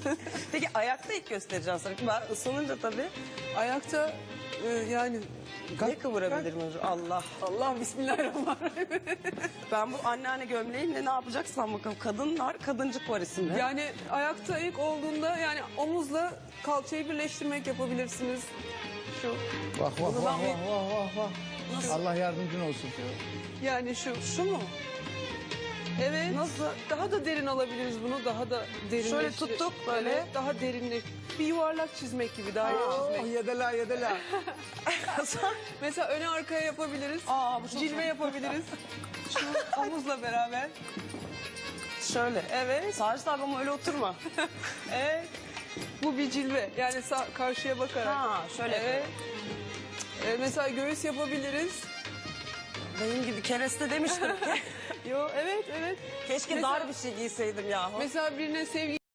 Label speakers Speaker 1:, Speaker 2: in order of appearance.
Speaker 1: Peki ayakta ilk göstereceğim sana. Ben ısınınca tabii
Speaker 2: Ayakta yani...
Speaker 1: ne kıvırabilirim? Allah.
Speaker 2: Allah bismillahirrahmanirrahim.
Speaker 1: Ben bu anneanne gömleğimle ne yapacaksam bakalım. Kadınlar, kadıncık var isimde.
Speaker 2: Yani ayakta ilk olduğunda yani omuzla kalçayı birleştirmek yapabilirsiniz. Şu.
Speaker 3: Vah vah
Speaker 1: Bunu
Speaker 3: vah
Speaker 1: ben
Speaker 3: vah vah vah vah. Allah yardımcın olsun.
Speaker 2: Yani şu.
Speaker 1: Şu mu?
Speaker 2: Evet.
Speaker 1: Nasıl?
Speaker 2: Daha da derin alabiliriz bunu. Daha da derinleştir.
Speaker 1: Şöyle tuttuk böyle.
Speaker 2: Evet, daha derinlik. Bir yuvarlak çizmek gibi. Daire
Speaker 3: Oh,
Speaker 2: çizmek.
Speaker 3: yedela yedela.
Speaker 2: Mesela öne arkaya yapabiliriz.
Speaker 1: Aa, bu çok
Speaker 2: Cilve yapabiliriz. Şu omuzla beraber.
Speaker 1: Şöyle. Evet. Sacit abi ama öyle oturma.
Speaker 2: Evet. Bu bir cilve. Yani karşıya bakarak.
Speaker 1: Ha, şöyle
Speaker 2: Evet. Mesela göğüs yapabiliriz.
Speaker 1: Benim gibi kereste demiştim.
Speaker 2: Yo, evet, evet.
Speaker 1: Keşke
Speaker 2: Mesela-
Speaker 1: dar bir şey giyseydim yahu.
Speaker 2: Mesela birine sevgi